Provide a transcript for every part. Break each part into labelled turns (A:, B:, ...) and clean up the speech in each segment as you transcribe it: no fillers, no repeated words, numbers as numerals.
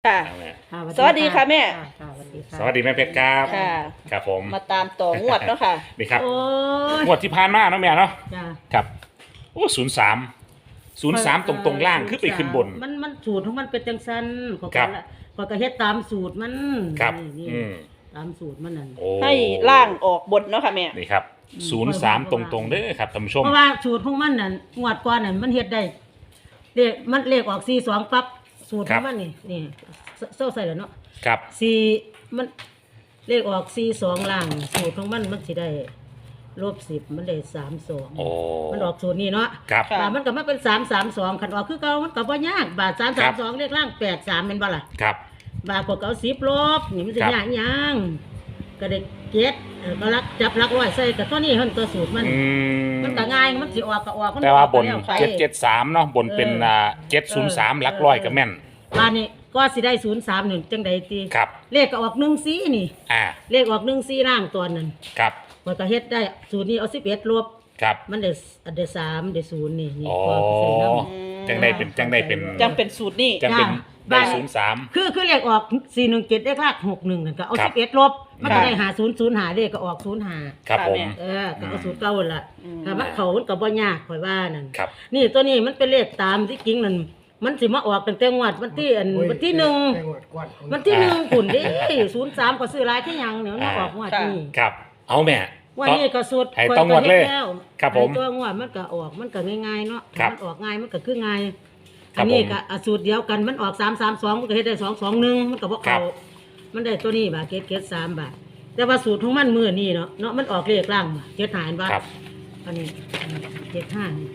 A: ค่ะ
B: เอาแม่
C: ค่ะ
A: สวัสดีค่ะแม่
C: ค่ะสวัสดีค่ะ
B: สวัสดีแม่เพชรครับ
A: ค่ะ
B: ครับผม
A: มาตามต่องวดเนาะค่ะ
B: นี่ครับ
C: โอ้ย
B: งวดที่ผ่านมาเนาะแม่เนาะ
C: จ้า
B: ครับโอ้03ตรงๆล่างขึ้นไปขึ้นบน
C: มันสูตรของมันเป็นจังซันก็
B: ครับ
C: ก็เฮ็ดตามสูตรมัน
B: ครับ
C: นี่
B: อืม
C: ตามสูตรมันนั่น
B: โอ้
A: ให้ล่างออกบนเนาะค่ะแม่
B: นี่ครับ03ตรงๆเด้อครับท่านผู้ชม
C: เพราะว่าสูตรของมันนั่นงวดก่อนนั่นมันเฮ็ดได้เลขออก42ปั๊บสูตรของมันนี่เศร้าใส่แล้วเนาะ
B: ครับ
C: 4มันเลขออก42ล่างสูตรของมันสิได้-10มันได้32
B: โอ้
C: มันออกสูตรนี้เนาะ
B: ครับ
A: ค่ะ
C: บาทมันก็มาเป็น332คันออกคือเก่ามันก็บ่ยากบาท332เลขล่าง83แม่นบ่ล่ะ
B: ครับ
C: บาทก็เอา10ลบนี่มันสิ
B: ครับ
C: ยากหยังก็ได้เก็ดก็รักจับรักร้อยใส่ก็ตัวนี้เพิ่นตัวสูตรมัน
B: อืม
C: มันก็ง่ายมันสิออกก็ออกมัน
B: แต่ว่าบน
C: ออกไป
B: 773เนาะบนเป็น703หลักร้อยก็แม่น
C: บาทนี้ก็สิได้03นี่จังได๋ติ
B: ครับ
C: เลขก็ออก14นี่
B: อ่า
C: เลขออก14ล่างตัวนั้น
B: ครับ
C: มันก็เฮ็ดได้สูตรนี้เอา11ลบ
B: ครับ
C: มันได้3ได้0นี่นี่
B: โอ้
C: พอใส่นำ
B: จังได้เป็น
A: จังเป็นสูตรนี่
B: จังเป็น
C: จ้ะ
B: ได้
C: บ้าน
B: 03
C: คือเลขออก417เลขลาก61นั่นก็เอา
B: ครับ
C: 11ลบมันก็ได้5005เลขก็ออก05
B: ครับผม
C: ก็เอาสูตรเก่าหั่นล่ะ
A: อืม
C: ถ้ามันเขามันก็บ่ยากข่อยว่านั่น
B: ครับ
C: นี่ตัวนี้มันเป็นเลขตามที่จริงนั่นมันสิมาออกตั้งแต่งวดวันที่วันที่1วันที่1พุ่นเด้03ก็ซื้อหลายคือหยังเนี่ยมันมาออกงวดนี้
B: ครับ เอาแม่
C: วันนี้ก็สุด
B: ให้ต้องงวดเลย
C: ข้อก็ฮ็แว
B: ครับผม
C: ให้ตัวงวดมันก็ออกมันก็ง่ายๆเนาะ
B: ครับ
C: มันออกง่ายมันก็คือง่าย
B: ครั
C: อั
B: บ
C: นนี้
B: ผม
C: ก็สูตรเดียวกันมันออก332มันก็เฮ็ดได้221มันก็บ่
B: ครั
C: เข้า
B: บ
C: มันได้ตัวนี้บาทเกต3บาทแต่ว่าสูตรของมันมื้อนี้เนาะมันออกเลขล่างบ่เจ็ดหารบ่
B: ครับ
C: อันนี้75นี่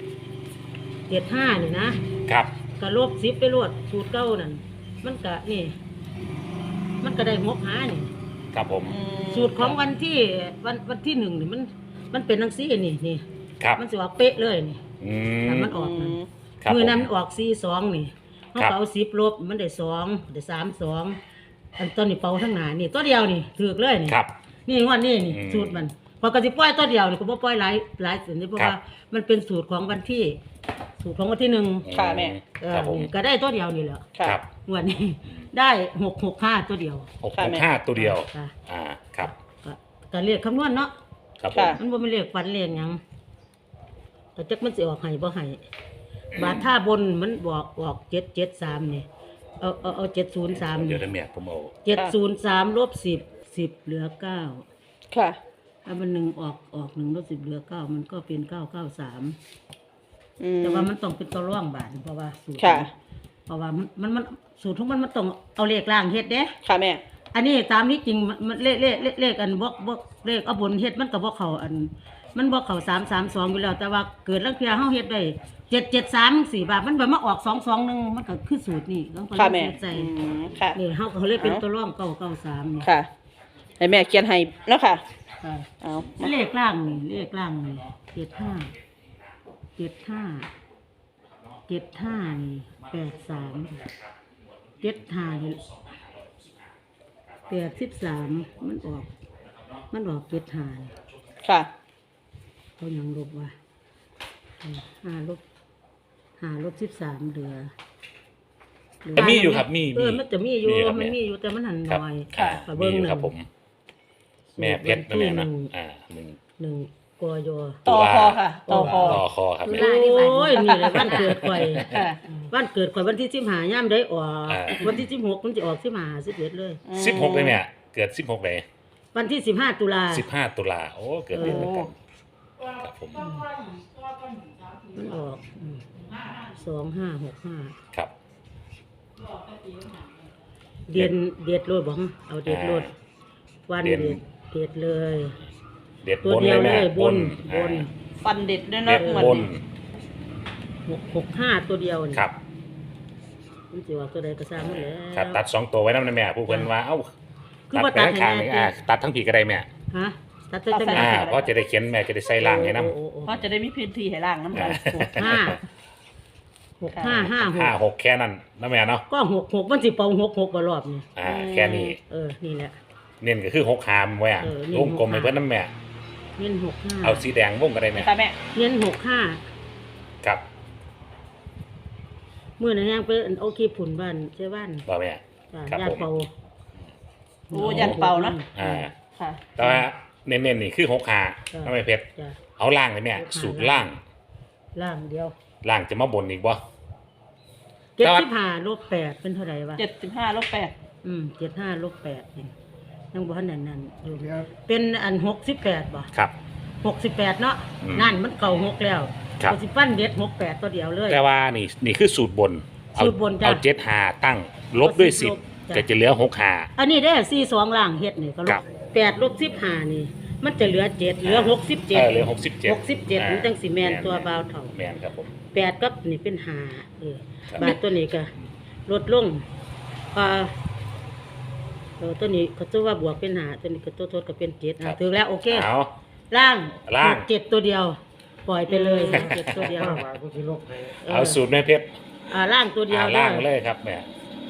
C: 75นี่นะครับ ก็ลบ10ไปโลดสูตรเก่านั่นมันก็นี่ มันก็ได้6หานี่
B: ครับผม
C: สูตรของวันที่1นี่มันเป็นจังซี่นี่
B: ครับ
C: มันสิออกเป๊ะเลยนี่
B: อื
C: ถ้าม มันออก
A: อื
C: นั่น
A: ม
B: ครับ
C: มือ
B: ผม
C: นั้นมันออก42นี่เขา
B: ครับ
C: ก็เอา10ลบมันได้2ได้32อันต้นนี่เป่าทั้งหน้านี่ตัวเดียวนี่ถูกเลยนี่
B: ครับ
C: นี่งวดนี้นี่
B: อืม
C: สูตรมันพอก็สิปล่อยตัวเดียวนี่ก็บ่ปล่อยหลายสินี่เพราะ
B: ครับ
C: ว่ามันเป็นสูตรของวันที่ สูตรของวันที่1
A: ค่ะแม่
B: ครับผม
C: นี่ก็ได้ตัวเดียวนี่แหละ
A: ค่ะ
B: ครับ
C: งวดนี้ได้665ตัวเดียว
A: ค่ะแม่
B: 665ตัวเดียว
C: ค่ะ
B: ครับ
C: ก็เรียกคำนวณเนาะ
B: ครับผม
A: ค่ะ
C: มันบ่แม่นเลขฝันเลขหยังแต่จักมันสิออกให้บ่ให้บาทท่าบนมันบอกออก773นี่เอา703
B: เดี๋
C: นี่
B: ยวได้แม่ผมเอา
C: 703ลบ10เหลือ9
A: ค่ะ
C: ถ้ามัน1ออก1ลบ10เหลือ9มันก็เป็น993
A: อืม
C: แต่ว่ามันต้องเป็นตัวร่องบาทเพราะว่าสูตร
A: ค่ะ
C: เพราะว่ามันสูตรของมันต้องเอาเลขล่างเฮ็ดเด้
A: ค่ะแม่
C: อันนี้ตามนี้จริงมันเลขอันบ่เลขเอาบนเฮ็ดมันก็บ่เข้าอัน มันบ่เข้า332อยู่แล้ว แต่ว่าเกิดลังเพียเฮาเฮ็ดได้773 4บาทมันแบบมาออก221มันก็คือสูตรนี่ต้อง
A: ค่ะแม่
C: ใจ
A: อืมค่ะ
C: นี่เฮาก็เลยเป็นตัวร่อง993นี่
A: ค่ะให้แม่เขียนให้แล้วค่ะ
C: ค่ะ
A: เอา
C: เลขล่างนี่เลขล่างนี่75 นี่83 75นี่83มันออก75นี่
A: ค่ะ
C: เขายังลบว่า5ลบ13เหลือ
B: แต่มีอยู่ครับมี
C: มันจะมีอยู่
B: ครับ
C: มัน
B: แ
C: มีอยู่แต่มันหัน
B: ครับ
C: น้อย
B: อ่า
C: ก็
B: มี
C: เบิ่ง
B: อยู่
C: หนึ่
B: ครับ
C: ง
B: ผม แม่เพชรนะแม่นะ
C: หนึ่งกย
A: ต่อคอค่ะ ต่อคอ
B: ต่อคอครับ
C: โ
B: แม่
C: อ้ยนี่แหละวันเกิดข่อย
A: ค่ะ
C: วันเกิดข่อยวันที่15ย่ามได้ออก
B: อ่า
C: วันที่16มันจะออก15 11เลย
B: 16เลยแม่เกิด16เลย
C: วันที่15ตุลา
B: 15ตุลาโอ้เกิดเดือนเดียวกันครับผม
C: มันออก2565
B: ครับ
C: เดียดโลดบ่เอาเดียดโลดวัน
B: เด่น
C: เดียดเลย
B: เด็ด
C: ตัว
B: บน
C: เดี
B: เลย ยว
C: เล
B: แม่
C: ยบน
B: อ่า
A: ฟันเด็ดด้วย
B: เด็
A: เนาะ
B: ด
A: เหมือน
B: บน
C: 65ตัวเดียวนี่
B: ครับ
C: มันสิว่าตัวใดก็สร้างมันแหล้ว
B: ครับตัด2ตัวไว้นำนะแม่ผู้เพิ่นว่าเอ้า
C: คือ
B: ตัด
C: ว่า
B: ไป
C: ตัด
B: ข้าง
C: ให้
B: ๆนี่
C: แม่
B: ตัดทั้งผีก็ได้แม่
C: ฮะตัดจังได๋
B: เพราะจะได้เขียนแม่จะได้ใส่ล่างให้นำ
A: เพราะจะได้มีพื้นที่ให้ล่างน้ำลาย
C: 5
B: 5 6แค่นั้นนะแม่เนาะ
C: ก็66มันสิเป่า66บ่รอบนี่
B: แค่นี้
C: นี่แหละ
B: เน้นก็คือ6หามไว้อะ
C: เน้น
B: วงกลมให้เพิ่นนำแม่
C: เน้น
B: เอาสีแดงวงก็ได้แม่
A: ค่ะแม่
C: 65เน้น
B: ครับ
C: 65มื้อนั้นยังไปเอาคลิปผุนบ้านเจ้าบ้าน
B: บ่แม่ครับ
C: ญา
B: ผ
C: ติ
B: ม
C: เป่า
A: โอ้ยันเป่านะ
B: อ่า
A: ค่ะ
B: แต่ว่าเน้นๆนี่คือ6หาน้องไม่เพชร
C: จ้ะ
B: เอาล่างเลยแม่สูตรล่าง
C: ล่างเดียว
B: ล่างจะมาบนอีกบ่
C: 75ลบ8เป็นเท่าไหร่วะ
A: 75 ลบ
C: 75ลบ8นี่ยังบ่ทันนั่นอยู่เป็นอัน68บ่
B: ครับ
C: 68เนาะ
B: อืม
C: นั่นมันเก่า6แล้ว
B: ครับ
C: ก็สิปั้นเด็ด68ตัวเดียวเลย
B: แต่ว่านี่คือสูตรบน เอา
C: สูตรบนจ้ะ
B: เอา7หาตั้งลบด้วย
C: เอา10ลบจ้ะ
B: 10ก็จะเหลือ6หา
C: อันนี้ได้42ล่างเฮ็ดนี่ก็ล
B: ครับ
C: บ8ลบ15นี่ มันจะเหลือ7เหลือ67
B: เหลือ67
C: 67มันจังสิแม่นตัวบ่าวเฒ่า
B: แม่นครับผม
C: 8กับนี่เป็น5
B: ครับ
C: บาทตัวนี้ก็ลดลงตัวนี้ก็ตัวว่าบวกเป็น5ตัวนี้ก็ตัวทดก็เป็น7ถึงแล้วโอเค
B: เอา
C: ล่าง
B: ล่าง
C: 7ตัวเดียว ปล่อยไปเลย7ตัวเดียว
B: เอาสูตรแม่เพชร
C: ล่างตัวเดียว
B: ล่าง
C: ด้อ
B: เลยครับแม่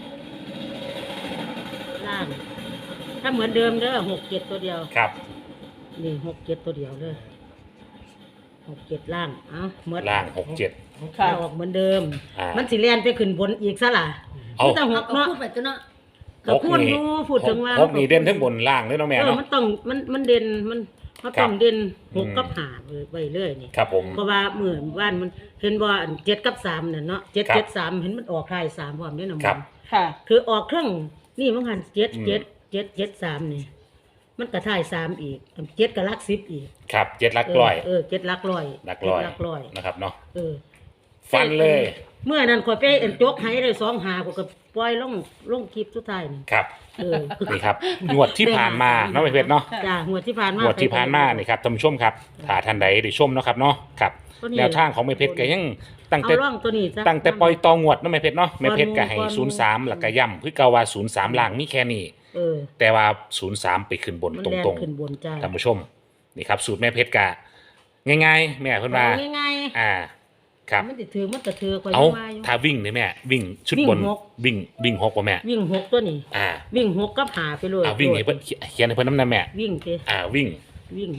C: ล่าง ถ้าเหมือนเดิมเด้อ6 7ตัวเดียว
B: ครับ
C: นี่6 7ตัวเดียวเลย6 7ล่างเหมือน
B: ล่าง67
A: ค่ะ
C: ออกเหมือนเดิม
B: อ่ามั
C: มันสิแล่นไปขึ้นบนอีกซะล่ะ
B: เอา
C: มันต้องหกเนาะ
D: พูดไปตัวเนาะ
C: ก็พูดอยู่พูดถึงว่า
B: หกนี่เด่นทั้งบนล่างเลยเนาะแม่
C: เออ
B: เนาะ
C: มันต้องมันเด่นมันเขาต้อง
B: ครับ
C: เด่นหก
B: อืม
C: กับหาไว้เรื่อยนี่
B: ครับผม
C: เพราะว่าเหมือนว่านมันเห็นว่าอัน7กับ3เนี่ยเนาะ7
B: ครับ
C: 7 3เห็นมันออกท้าย3พร้อมด้วยนะ
B: ครับ
A: ค่ะ
C: คือออกเครื่องนี่มันหัน7
B: อืม
C: 7 7 7 3นี่มันก็ท้าย3อีก7ก็หลัก10อีก
B: ครับ7หลักร้อย
C: 7หลักร้อย
B: หลักร้อย
C: เจ็ดหลักร้อย
B: นะครับเนาะ
C: เออ
B: ฟันเลย
C: เมื่อนั้นข่อยไปเอ็นจกให้ได้2หาก็ปล่อยลงคลิปสุดท้ายนี่
B: ครับ
C: เออ
B: นี่ครับงวดที่ผ่านมาเนาะแม่เพชรเนาะ
C: จ้างวดที่ผ่านมาง
B: วดที่ผ่านมานี่ครับท่านผู้ชมครับถ้าท่านใดได้ชมเนาะครับเนาะครับ
C: ตัวนี้
B: แนวทางของแม่เพชรก็ยังตั้ง
C: เอา
B: แต่
C: ร่องตัวนี้ซะ
B: ตั้งแต่ปล่อยตองวดเนาะแม่เพชรเนาะแม่เพชรก็ให้
C: ก่อนหมู่
B: 03แล้วก็ย่ำคือเก่าว่า03ล่างมีแค่นี้
C: เออ
B: แต่ว่า03ไปขึ้นบน
C: มัน
B: ต
C: แล่น
B: รง
C: ขึ้นบนจ้า
B: ๆท่านผู้ชมนี่ครับสูตรแม่เพชรกะง่ายๆแม่เพิ่นว่า
C: เอาง่าย
B: ครับ
C: มันสิถือมันก็ถือข่อย
B: เอา
C: ยังว่าอยู่
B: ถ้าวิ่งนี่แม่วิ่งชุด
C: วิ่ง
B: บน
C: หก
B: วิ่ง6บ่แม่
C: วิ่ง6ตัวนี้
B: อ่า
C: วิ่ง6กับหาไปเลย
B: วิ่งให้เพิ่นเขียนให้เพิ่นนำแม่
C: วิ่งสิ
B: วิ่ง
C: วิ่ง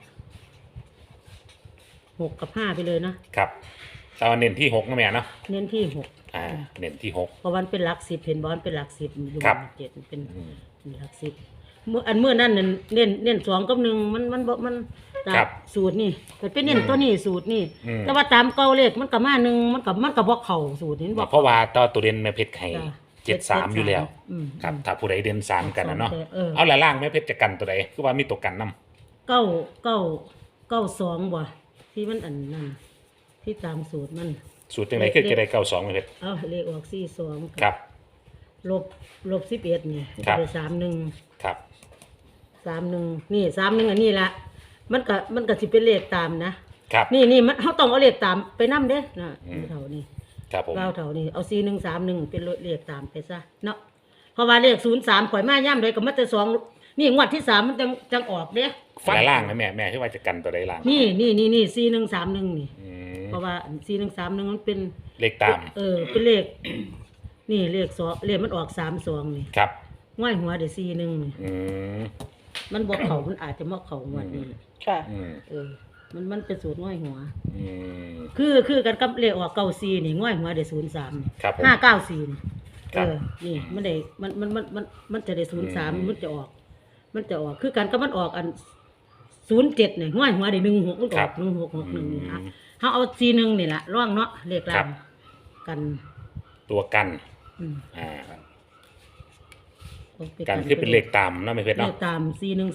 C: 6กับ5ไปเลยนะครับ
B: แต่ว่าเน้นที่6นะแม่เนาะ
C: เน้นที่6
B: เน้นที่6
C: เพราะมันเป็นหลัก10เห็นบ่มันเป็นหลัก10อยู่
B: ครับ
C: เจ็ดมันเป็นหลัก10เมื่อนั้นน่ะเน้น2กับ1มันบ่มันตาม
B: ครับ
C: สูตรนี่มันเป็นเน้นตัวนี้สูตรนี่
B: อืม
C: แต่ว่าตามเก่าเลขมันก็มา1มันก็บ่เข้าสูตรนี้บ่
B: เพราะว่าตัวเด่นแม่เพชรให้
C: จ้ะ
B: 73อยู่แล้ว
C: อืม
B: ครับถ้าผู้ใดเด่น3กันนะเนาะ
C: เออ
B: เอาละล่างแม่เพชรจะกันตัวใดคือว่ามีตัวกันนํ
C: เก้า2บ่ที่มันอันนั้นที่ตามสูตรมัน
B: สูตรจังไดคือจะได้92แม่เพชร
C: เอาเลขออก42
B: ครับ
C: ลบ11นี่
B: ครับ
C: ได้31
B: ครับ
C: 31นี่31อันนี้ละมันก็สิเป็นเลขตามนะ
B: ครับ
C: นี่มันเฮาต้องเอาเลขตามไปนำเด้นะ
B: อืม
C: เท่านี้
B: ครับผม
C: เท่านี้เอา4131เป็นเลขตามไปซะเนาะเพราะว่าเลข03ข่อยมาย่ํใดก็มาแต่2นี่งวดที่3มันจังออกเด้
B: ฝันล่างนะแม่คือว่าจะกันตัวใดล่าง
C: นี่4131นี่
B: อืม
C: เพราะว่า4131มันเป็น
B: เลขตาม
C: เป็นเลข นี่เลข2เลขมันออก32นี่
B: ครับ
C: ง่อยหัวได้41นี่
B: อืม
C: มันบ่เข้ามันอาจจะบ่เข้างวดนี้
A: ค่ะ
B: อืม
C: มันเป็นสูตรง่อยหัว
B: อืม
C: คือกันกับเลขออก94นี่ง่อยหัวได้03
B: ครับผม
C: 594นี่
B: ครับ
C: นี่มันได้มันจะได้03มันจะออก คือกันกับมันออกอัน07นี่ง่อยหัวได้16มันก็ออก1661นี่ฮะเฮาเอา41นี่ล่ะร่องเนาะเลข
B: ครั
C: ล่าง
B: บ
C: กัน
B: ตัวกัน
C: อืม
B: เอากันคือเป็นเลขตามเนาะแม่เพชร
C: เล
B: เนาะ
C: ขตาม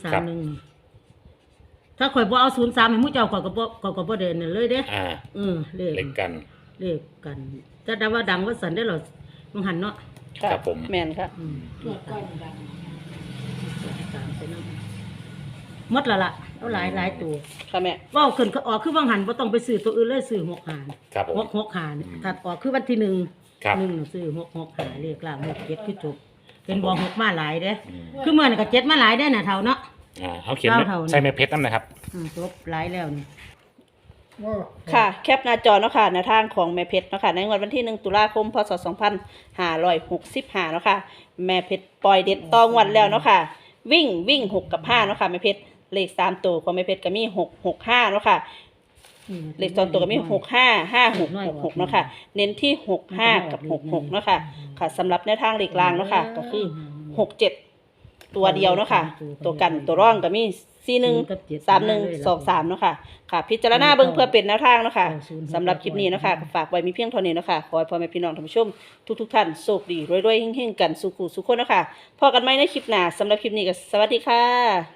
C: 4131ถ้าข่อยบ่เอา03ให้หมู่เจ้าข่อยก็บ่ได้นั่นเลยเด้ เลข
B: เลขกัน
C: เลขกันแต่ว่าดังว่าสันได้หรอมังหันเนาะ
A: ค่ะ
B: ครับผม
A: แม่นค่ะ
D: ตัวก้อนด
C: ตามไปนั่งหมดและล่ะเอาหลายตัว
A: ค่ะแม่
C: ว่าขึ้นก็ออกคือวังหันบ่ต้องไปซื้อตัวอื่นเลยซื้อ6หาร
B: ครับผม
C: 6หารถัดออกคือวันที่1
B: ครับ
C: 1น่ะซื้อ6หารเลขล่าง6 7คือจบเป็นบ่6มาหลายเด้คือเมื่อนั้นก็7มาหลายได้น่ะเท่าเนาะ
B: เอาเขียน
C: เท่า
B: ใส่แม่เพชรนั่นนะครับ
C: จบหลายแล้วนี่
A: ค่ะ แคปหน้าจอเนาะค่ะในทางของแม่เพชรเนาะค่ะในวันที่1 ตุลาคม พศ 2565เนาะค่ะแม่เพชรปล่อยเด็ดตองวันแล้วเนาะค่ะวิ่ง6 กับ 5เนาะค่ะแม่เพชรเลข3ตัวของแม่เพชรก็มี6 6 5เนาะค่ะเลขสองตัวก็มี655666เนาะค่ะเน้นที่65กับ66เนาะค่ะค่ะสำหรับแนวทางเลขล่างเนาะค่ะก็คือ67ตัวเดียวเนาะค่ะตัวกันตัวร่องก็มี413123เนาะค่ะค่ะพิจารณาเบิ่งเพื่อเป็นแนวทางเนาะค่ะสำหรับคลิปนี้เนาะค่ะฝากไว้มีเพียงเท่านี้เนาะค่ะขอให้พ่อแม่พี่น้องท่านผู้ชมทุกท่านโชคดีรวยๆเฮงๆกันสุขุสุขคนเนาะค่ะพบกันใหม่ในคลิปหน้าสำหรับคลิปนี้ก็สวัสดีค่ะ